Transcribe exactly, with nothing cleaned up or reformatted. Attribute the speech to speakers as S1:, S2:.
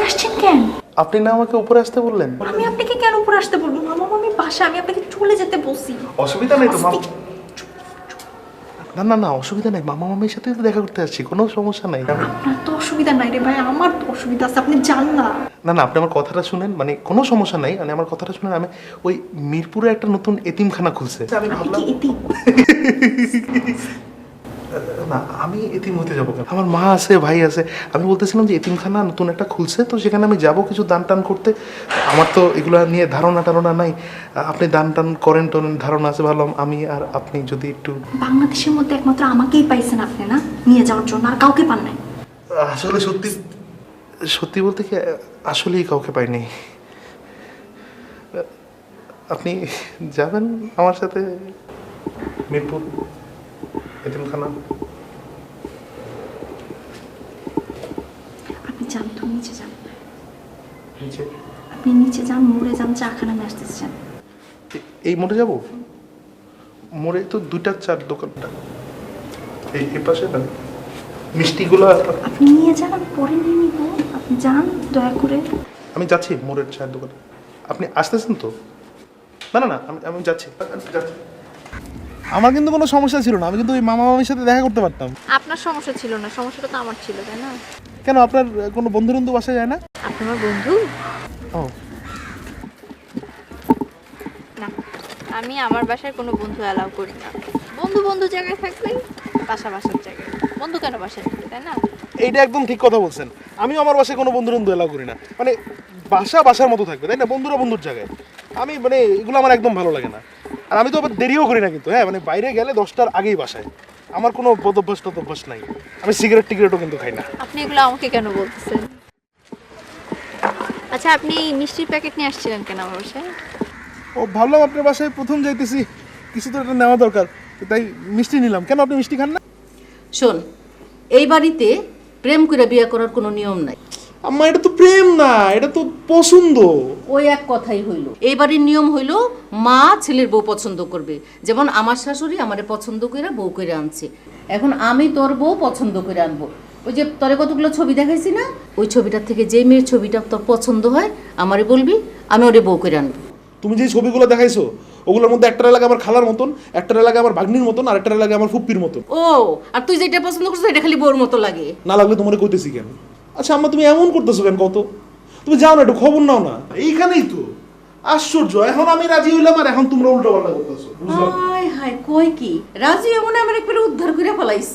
S1: আসছেন কেন?
S2: আপনি না আমাকে উপরে আসতে বললেন?
S1: আমি আপনাকে কেন উপরে আসতে বলবো? মামা মামি বাসা, আমি আপনাকে চলে যেতে বলছি।
S2: অসুবিধা নেই তো মামা। না না না অসুবিধা নেই, মামা মামির সাথে তো দেখা করতে আসছি, কোনো সমস্যা নাই।
S1: আপনার তো অসুবিধা নাই রে ভাই, আমার তো অসুবিধা আছে, আপনি যান না।
S2: না না আপনি আমার কথাটা শুনেন, মানে কোনো সমস্যা নাই, মানে আমার কথাটা শুনেন। আমি ওই মিরপুরে একটা নতুন এতিমখানা খুলছে, আমি
S1: আপনি
S2: ভাবলাম
S1: কি এতিম?
S2: না আমি এতিম হতে যাবো কেন? আমার মা আছে, ভাই আছে। আমি বলতেছিলাম যে এতিমখানা নতুন একটা খুলছে, তো সেখানে আমি যাব কিছু দান টান করতে। আমার তো এগুলো নিয়ে ধারণা টারণা নাই, আপনি দান টান করেন টোরেন ধারণা আছে, ভাবলাম আমি আর আপনি যদি একটু।
S1: বাংলাদেশের মধ্যে একমাত্র আমাকেই পাইছেন আপনি না নিয়ে যাওয়ার জন্য, আর কাউকে পান নাই।
S2: আসলে সত্যি সত্যি বলতে কি আসলেই কাউকে পাইনি। আপনি যাবেন আমার সাথে মিরপুর এতিমখানা?
S1: আপনি যান তো, নিচে যান।
S2: নিচে?
S1: আপনি নিচে যান, মোড়ে যান, চা খানা নিয়ে আসতেছেন।
S2: এ- এই মোড়ে যাব? মোড়ে তো দুইটা চার দোকানটা এই এই পাশে না মিষ্টিগুলো।
S1: আপনি নিয়ে যান, আমি পরে নিয়ে নিব। আপনি যান দয়া করে।
S2: আমি যাচ্ছি মোড়ের চায়ের দোকানে। আপনি আসতেছেন তো? না না না আমি আমি যাচ্ছি যাচ্ছি। আমার কিন্তু কোনো সমস্যা ছিল না, আমি কিন্তু ওই মামা মামির সাথে দেখা করতে পারতাম।
S3: আপনার সমস্যা ছিল না, সমস্যাটা তো আমার ছিল, তাই না?
S2: কেন আপনার কোনো বন্ধু বন্ধু বাসায় যায় না?
S3: আপনি আমার বন্ধু
S2: ও
S3: না, আমি আমার বাসায় কোনো বন্ধু অ্যালাউ করি না। বন্ধু বন্ধু জায়গায় থাকবে, বাসা বাসার জায়গায়। বন্ধু কেন বাসায় থাকবে, তাই না?
S2: এইটা একদম ঠিক কথা বলছেন। আমিও আমার বাসায় কোনো বন্ধু বন্ধু এলাও করি না, মানে বাসা বাসার মতো থাকবে, তাই না? বন্ধুরা বন্ধুর জায়গায়। আমি মানে এগুলো আমার একদম ভালো লাগে না। আর আমি তো আবার দেরিও করি না কিন্তু, হ্যাঁ মানে বাইরে গেলে দশটার আগেই বাসায়। আমার কোনো বদভ্যাস টদভ্যাস নাই। আমি সিগারেট টিগারেটও কিন্তু খাই না।
S3: আপনি এগুলো আমাকে কেন বলতেছেন? আচ্ছা, আপনি মিষ্টির প্যাকেট নিয়ে আসছিলেন কেন আমার বাসায়?
S2: ও ভাবলাম আপনার বাসায় প্রথম যাইতেছি, কিছু তো একটা নেওয়া দরকার, তাই মিষ্টি নিলাম। কেন আপনি মিষ্টি খান না?
S4: শোন, এই বাড়িতে প্রেম করে বিয়ে করার কোনো নিয়ম নাই।
S2: আম্মা এটা তো প্রেম না, এটা তো পছন্দ।
S4: ওই এক কথাই হইল। এই বাড়ির নিয়ম হইল মা ছেলের বউ পছন্দ করবে। যেমন আমার শাশুড়ি আমারে পছন্দ করে বউ করে আনছে, এখন আমি তোর বউ পছন্দ করে আনবো। ওই যে তোরে কতগুলো ছবি দেখাইছি না, ওই ছবিটার থেকে যে মেয়ের ছবিটা তোর পছন্দ হয় আমারে বলবি, আমি ওরে বউ করে আনবো।
S2: তুমি যে ছবিগুলো দেখাইছো ওগুলোর মধ্যে একটা লাগে আমার খালার মতন, একটা লাগে আমার ভাগ্নির মতন, আর একটা লাগে আমার ফুপ্পির মতন।
S4: ও, আর তুই যেটা পছন্দ করছিস এটা খালি বউর মতো লাগে।
S2: না লাগলে তোমার কইতেছি কেন? আচ্ছা আম্মা তুমি এমন করতেছো কেন কত? তুমি যাও না একটু খবর নাও না। এইখানেই তো আশ্চর্য, এখন আমি রাজি হইলাম আর এখন তোমরা উল্টো পাল্টা করতেছো।
S4: হায় হায়, কই কি রাজি এমন আমার একবারে উদ্ধার করে ফেলাইছে।